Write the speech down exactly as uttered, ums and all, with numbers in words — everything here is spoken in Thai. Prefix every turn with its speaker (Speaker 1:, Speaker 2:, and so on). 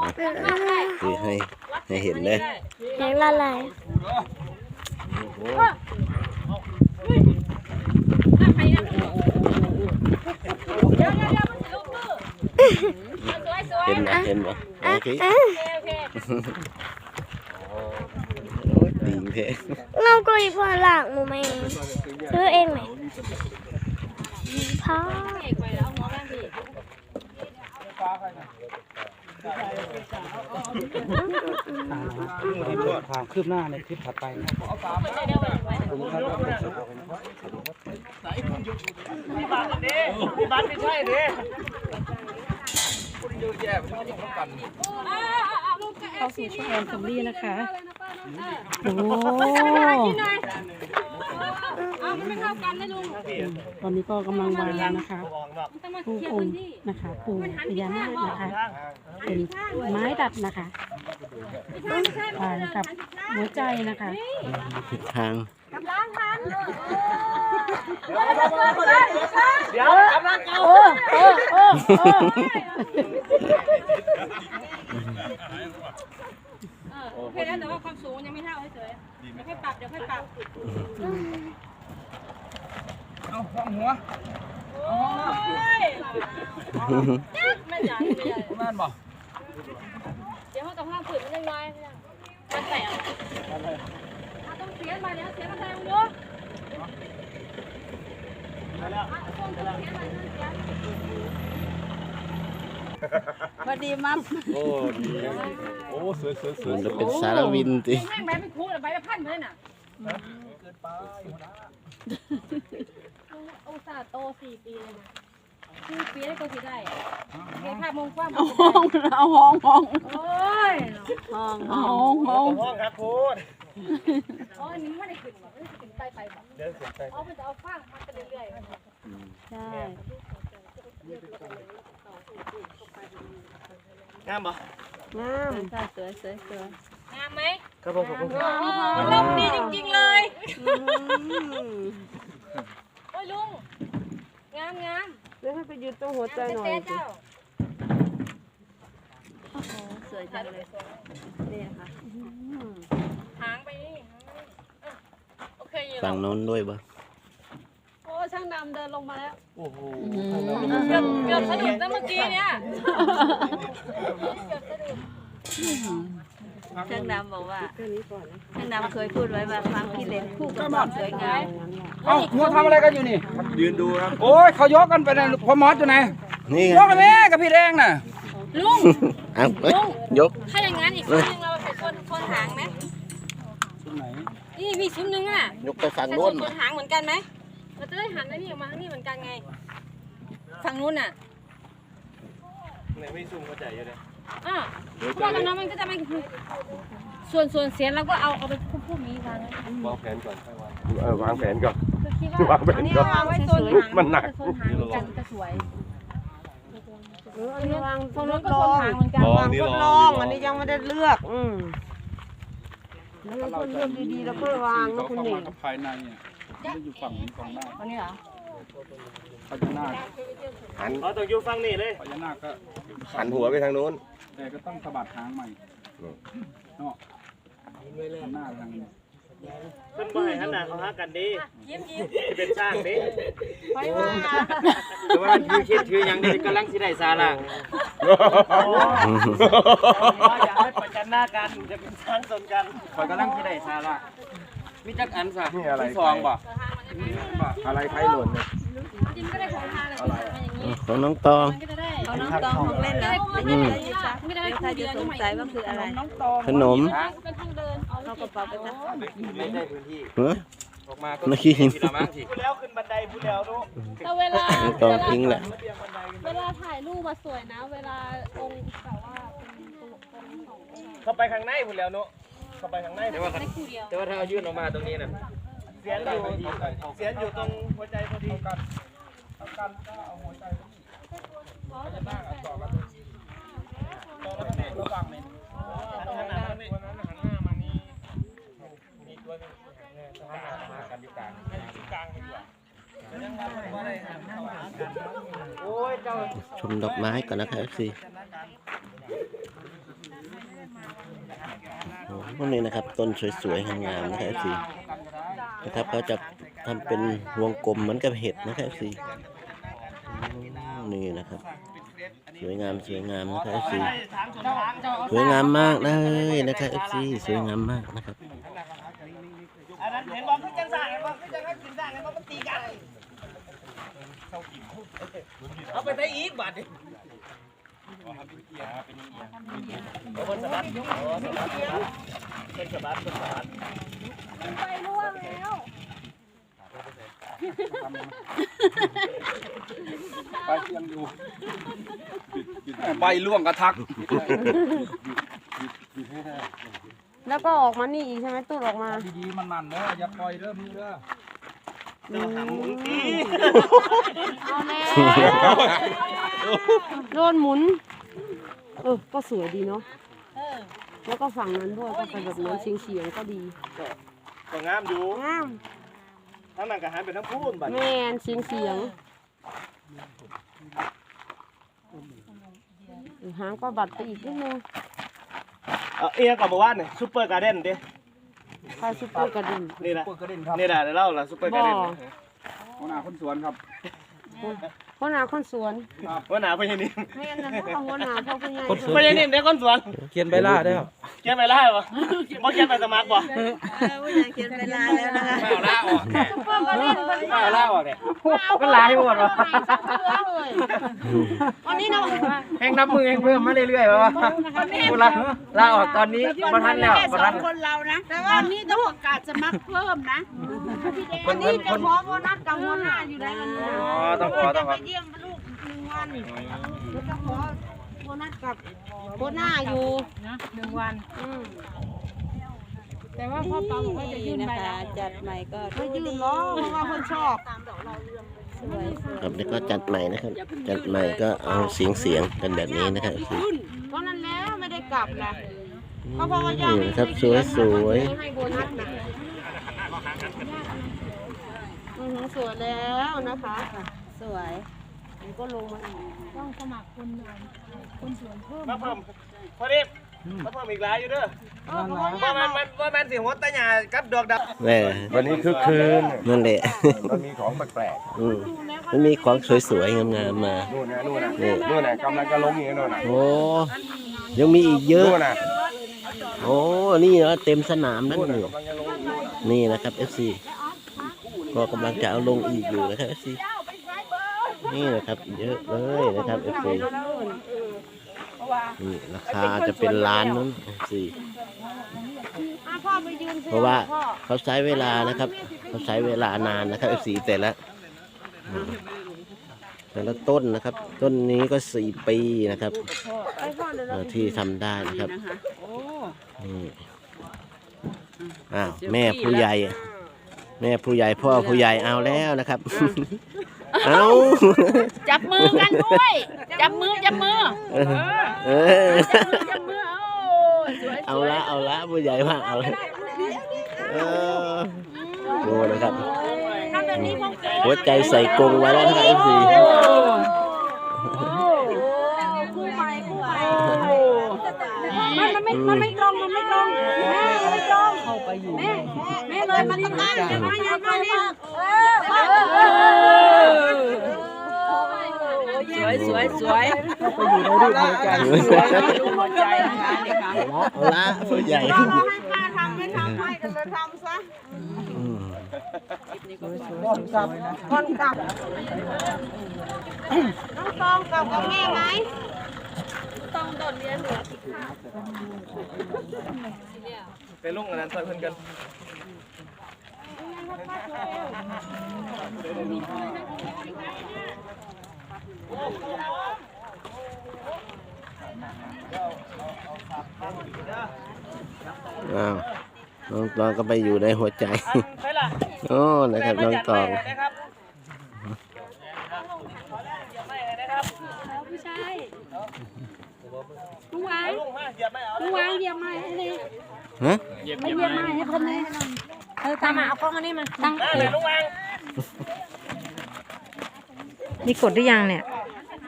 Speaker 1: คือให้ให้เห็นเลย
Speaker 2: ยังละลาย
Speaker 1: เห็นไหมเห็นไหมโอเคดีงเท
Speaker 2: เราก็อีพอหลังมูไหมซื้อเองไหมพ่อ
Speaker 3: ความคืบหน้าในคลิปถัดไปนะ
Speaker 4: มีบัตรดิมีบัตรไม่ใช่ดิเยอะแยะไม่ต้องป้องกัน
Speaker 5: เข้าสู่ช่วงแอนสมรีนะคะโอ้ตอนนี้ก็กำลังวางนะคะปูองค์นะคะปูพญานาคนะคะเป็นไม้ดัดนะคะวางกับหัวใจนะคะ
Speaker 1: ผิดทาง
Speaker 4: เดี๋ยวกำลังเอา
Speaker 5: โอ้โอ้โอ้โอ้
Speaker 6: โอเคแล้วแต่ว่าความสูงยังไม่เท่าเฉยๆเดี๋ยวค่อยปรับเดี๋ยวค่อยปรับ
Speaker 4: เอาห้องหัว
Speaker 6: โอ้ยไม่ใหญ่ไม่ใหญ่
Speaker 4: แม่นบ่
Speaker 6: เดี๋ยวห้องกับห้องผืนมันยังน้อยมันแตกต้องเสียมาเดี๋ยวเสียมาแทงดู
Speaker 5: พอดีมั้ม
Speaker 4: โอ้ดีโอ้สวยสวยสวย
Speaker 1: มันจะเป็นสารวินติ
Speaker 6: แม่งใบไม่คูดใบละพันเลยน่ะ
Speaker 4: เกินไป
Speaker 6: อุตส่าห์โตสี่ปีเลยนะสี่ปีได้ก็สิได้เก็บภาพมงกว้าง
Speaker 5: เอาห้องเอาห้องห้อง
Speaker 6: โอ้ย
Speaker 5: ห้องห้องห้อง
Speaker 4: ห้องครับพูด
Speaker 6: อ๋ออันนี้ไม่ได้ขึ้นหรอกไม่ได้ขึ้นไปไปแบบ
Speaker 4: เดี๋ยวขึ้นไป
Speaker 6: อ๋อมันจะเอาฟางมันไปเรื่อยๆ
Speaker 5: ใช่
Speaker 4: งามบ่
Speaker 5: งามใช่สวยสวยสวย
Speaker 6: งามไหม
Speaker 4: ครับผมผม
Speaker 6: ลมดีจริงๆเลยโอ้ยลุงงามงาม
Speaker 5: เดี๋ยวให้ไปยืนตรงหัวใจหน่อย
Speaker 6: เจ้า
Speaker 5: โอ้โหสวยจังเลยนี่ค่ะ
Speaker 6: หางไปนี่โอเคอยู่
Speaker 1: ฝั่งโน้นด้วยบ่
Speaker 5: โอ้ช่างดำเดินลงมาแล้ว
Speaker 4: โอ้โห
Speaker 6: เกือบเกือบสะดุดนะเมื่อกี้เนี่ยเกือบสะดุด
Speaker 5: ช่างดำบอกว่าช่างดำเคยพูดไว้ว่าฟังพี่เล่นคู่กับความสวยงาม
Speaker 3: เอ้ามัวทำอะไรกันอยู่นี่
Speaker 4: ยืนดูครับ
Speaker 3: โอ้ยเขายกกันไปนะพอมอสอยู่ไหน
Speaker 1: นี่
Speaker 3: ยกกันแม่กับพี่แดงน่ะ
Speaker 6: ลุง
Speaker 1: เอายก
Speaker 6: ถ้าอย่างนั้นอีกชุดนึงเราไปชนชนหางไหม
Speaker 3: ชุดไหน
Speaker 6: นี่มีชุดนึงอ่ะ
Speaker 1: ยกไปฝั่งโน้น
Speaker 6: ชนหางเหมือนกันไหมเราจะได้หันได้นี่ออกมาทางนี้เหมือนกันไงฝั่งนู้นอ่ะ
Speaker 4: ไหนไม่ซุ่มเข้าใจอยู่เลย
Speaker 6: อ่ะเพราะว่าน้องมันก็จะไม่ส่วนส่วนเสียงเราก็เอาเอาไปพุ่มๆนี้วาง
Speaker 4: วางแผนก่อนเออวางแผนก่อน
Speaker 6: คือคิดว่าวางแผนก่อนวางไว้โซนหาง
Speaker 4: มันหนัก
Speaker 6: โซนหางเหมือนกันจะสวย
Speaker 5: เอออันนี้วาง
Speaker 6: ตรงนู้นก็โซนหางเหมือนกัน
Speaker 5: วางทดลองอันนี้ยังไม่ได้เลือกอืมแล้วเราเลือกดีๆแล้วก็วางนะคุณหนิง
Speaker 3: ภายในเนี่ยไม่อยู่ฝั่งนี้ฝั่งหน้า
Speaker 6: อันนี้เหรอ
Speaker 3: พญานาค
Speaker 4: หันเขาต้องอยู่ฝั่งนี้เลย
Speaker 3: พญานาคก็
Speaker 4: หันหัวไปทางโน้น
Speaker 3: แต่ก็ต้องสะบัดหางใหม่เนาะหน้าทางนี้
Speaker 4: เพิ่นบ่ให้หันหน้าเขาหากันดียิ้มยิ้มสิเป็นช่างดิ
Speaker 6: ไปว่า
Speaker 4: แต่ว่าถือคิดถือหยังนี่กำลังสิได้สาระอย่าให้ประจันหน้ากันจะเป็นช่างสนกันข่อยกำลังสิได้สาระมีจักอันซะมีซองบ่อะไรไผหล่นเนี่ย
Speaker 6: จริงก็ได้ของทานอะไรอย่างนี้
Speaker 1: ของน้องตอง
Speaker 5: ของน้องตองของเล่นแล้วไม่ได้ยินจ้ะไม่ได้ใครจะสงสัยว่าคืออะไร
Speaker 1: ขนม
Speaker 6: เป็นทางเดิน
Speaker 5: เอากระเป๋าไปจ้ะ
Speaker 4: ไม่ได้พื้นที่ออกมาก็
Speaker 1: นักขี้หิน
Speaker 4: พูดแล้วขึ้นบันไดพูดแล้วลูก
Speaker 6: แต่เวลา
Speaker 1: ตองทิ้งแหละ
Speaker 6: เวลาถ่ายรูปมาสวยนะเวลาองค์แบบว่าเป็นตลกองค์ของ
Speaker 4: เข้าไปข้างในพูดแล้วเนาะเข้าไปข้างในแต่ว่าแต่ว่าถ้าเอายื่นออกมาตรงนี้น่ะเสียนอยู่เสียนอยู่ตรงหัวใจพอดีกันเอากันก็เอาหัวใจพญานาคต่อกันต่อแล้วเนี่ยระวังเนี่ยหันหน้ามานี่หันหน้ามานี่มีตัวนึงหันหน้ามากันอยู่กลางอยู่กลางดีกว่ายังมาว่าอะไรหันหน้ามากันโอ้ยเจ้า
Speaker 1: ชมดอกไม้ก่อนนะครับสิพวกนี้นะครับต้นสวยๆงามๆนะครับสีนะครับเขาจะทำเป็นวงกลมเหมือนกับเห็ดนะครับสีนี่นะครับสวยงามสวยงามนะครับสีสวยงามมากเลยนะครับเอฟซีสวยงามมากนะครับ
Speaker 4: อันนั้นเห็นบอกขึ้นจังสั่งเห็นบอกขึ้นจังกินสั่งเห็นบอกมันตีกันเอาไปได้อีกบาทดิเอาบนสะบัดอ๋อสะบัดเป็นสะบัดเป็นสะบัด
Speaker 6: ไปร่วงแล้ว
Speaker 3: ไปเทียมดูใบล่วงกระทัก
Speaker 5: แล้วก็ออกมานี่อีกใช่ไหมตูดออกมา
Speaker 3: ดีๆมันๆเด้ออย่าปล่อยเด้อมือเด้อ
Speaker 4: เดี๋ยวหาหมุนตี
Speaker 5: เอาแม่โดนหมุนเออก็สวยดีเนาะแล้วก็ฝั่งนั้นด้วยก็เป็นแบบนั้นเฉียงเฉียงๆก็ดี
Speaker 4: ก็งามอยู่
Speaker 5: งาม
Speaker 4: ทั้งนั้นก็หันไปทั้งพูนบัด
Speaker 5: แม่นเฉียงเฉียงหางก็บัดไปอีกนิดนึง
Speaker 4: เออเอียกับเมื่อวานนี่ซุปเปอร์การ์เด้นดิ
Speaker 5: คอยซุปเปอร์กระดิ่ง
Speaker 4: นี่แหละ
Speaker 3: เปิดกระเด็นครับ
Speaker 4: นี่แหละเดี๋ยวเล่าละซุปเปอร์การ์เด้น
Speaker 5: บ่
Speaker 3: หัวหน้าคนสวนครับ
Speaker 5: หัวหน้าคนสวน
Speaker 4: ว่าหนาพญานิม
Speaker 5: แม่นนะพ่อหัวหน้าพ่อผู้ใหญ่
Speaker 4: พญานิมได้คนสวน
Speaker 1: เขียนใบลาได้หรอ
Speaker 4: เขียนไปไล่ปะบ่เขียนไปสมัครบ่
Speaker 2: เขียนเวลาแล้วนะคะ
Speaker 4: ไม่เอาล่าออก
Speaker 5: ซุปเปอร์กระดิ่งเพิ่น
Speaker 4: ไม่เอาล่าออกเนี่ย
Speaker 5: ก็หลายหมดวะวันนี้เนาะ
Speaker 4: แห่งนับมือแห่งเพิ่มมาเรื่อยๆวะกูละล่าออกตอนนี้มาทันแล้วมาทัน
Speaker 2: คนเรานะแต่ว่านี่ต้องประกาศสมัครเพิ่มนะวันนี้จะขอโบนัสกับหัวหน้าอยู่ได้วันนี้
Speaker 4: อ๋อต้องขอต้องขอ
Speaker 2: ไปเยี่ยมลูกหนึ่งวันแล้วก็ขอโบนัสกับหัวหน้าอยู่
Speaker 6: นะหนึ่งวัน
Speaker 2: อืม
Speaker 6: แต่ว่าพ่อเปาบอกว่าจะยื่นไปแล้ว
Speaker 2: จัดใหม่ก็ไม่ยืนล้อเพราะว่าเพิ่นชอบ
Speaker 1: ครับแล้วก็จัดใหม่นะครับ จัดใหม่ก็เอาเสียงเสียงกันแบบนี้นะครับสี
Speaker 2: เพราะนั้นแล้วไม่ได้กลับนะ
Speaker 1: นี่นะครับสวยสวย
Speaker 2: ให้โบนัสนะอือหือสวยแล้วนะคะ สวยมันก็ลงมาอีก
Speaker 6: ต้องสมัครคนเอ่อคนสวนเพิ่ม
Speaker 4: มาเพิ่มพอดีมาเพิ่มอีกหลายอยู่เด้อ
Speaker 2: เออเพราะว่า
Speaker 4: ว่ามันมันว่ามันสิหัวตะหยากับดอกดาว
Speaker 1: แม่
Speaker 7: วันนี้คือคืน
Speaker 1: นั่นแหละ
Speaker 7: มันมีของแปลก
Speaker 1: อืมมันมีของสวยๆงามๆมา
Speaker 7: ๆนู่นนะนู่นนะ
Speaker 1: นี่
Speaker 7: นู่นนะกำลังจะลงอย่างนี้นู่นนะ
Speaker 1: โอ้ยังมีอีกเยอะ
Speaker 7: นู่นนะ
Speaker 1: โอ้นี่เนาะเต็มสนามนั่นนี่
Speaker 7: กำลังจะลงอยู่นู่นน่ะ
Speaker 1: นี่นะครับ เอฟ ซี ก็กำลังจะเอาลงอีกอยู่นะครับ เอฟ ซี นี่นะครับเยอะเลยนะครับ เอฟ ซี นี่ราคาจะเป็นล้านนั้น เอฟ ซี
Speaker 2: อ่ะพ่อไปยืนสิ
Speaker 1: เพราะว่า
Speaker 2: พ่อ
Speaker 1: เขาใช้เวลานะครับเขาใช้เวลานานนะครับ เอฟ ซี แต่ละอืมแต่ละต้นนะครับ ต้นนี้ก็สี่ปีนะครับ
Speaker 2: ไปพ่อเดี๋ยว
Speaker 1: เอ่
Speaker 2: เรา
Speaker 1: อที่ทำได้นะครับนี่อ้าวแม่ผู้ใหญ่ แม่ผู้ใหญ่พ่อผู้ใหญ่เอาแล้วนะครับ เอา
Speaker 6: จับมือกันด้วยจับมือจับมือ
Speaker 1: เออ
Speaker 6: จับมือเอาสวย
Speaker 1: เอาละเอาละผู้ใหญ่มากเอาละเออดูนะครับ
Speaker 2: ทำแบบนี้พ่อเก๋
Speaker 1: หัวใจใส่กรงไว้แล้วนะครับเอฟซี
Speaker 2: คู่ใหม่คู่ใหม่
Speaker 5: มันมันไม่มันไม่ตรงมันไม่ตรงแม่มันไม่ตรงเข้าไปอยู่แม่
Speaker 2: แม่เลยมันต้องตั้งอย่ามาอย่ามาเนี่ยเออ
Speaker 6: สวยสวยสวย
Speaker 1: ไปอยู่ในรูปหัวใจหัวใจนะคะนี่ค่ะเอาละผู้ใหญ่
Speaker 2: เราให้ป้าทำไม่ทำให้กันเลยทำซะ
Speaker 1: อืม
Speaker 2: คนกลับน้องตองกลับกับแม่ไหม
Speaker 4: ไปลุงอันนั้นใส่เพิ่นกัน
Speaker 1: อ้าวน้องตองก็ไปอยู่ในหัวใจ
Speaker 4: ใช่ล่ะ
Speaker 1: โอ้นะครับน้องตอง
Speaker 4: นะครับ
Speaker 6: ผู้ชายลุงวาง
Speaker 4: ลุงมาเหยียบไม่เอา
Speaker 6: ลุงวางเหยียบไม้ให้เลย
Speaker 1: ฮะ
Speaker 6: ไม่เหยียบไม้ให้คนเลยเออตามมาเอากล้องมานี่มาตั้ง
Speaker 4: ได้เลยลุงวาง
Speaker 6: นี่กดหรือยังเนี่ย
Speaker 4: เ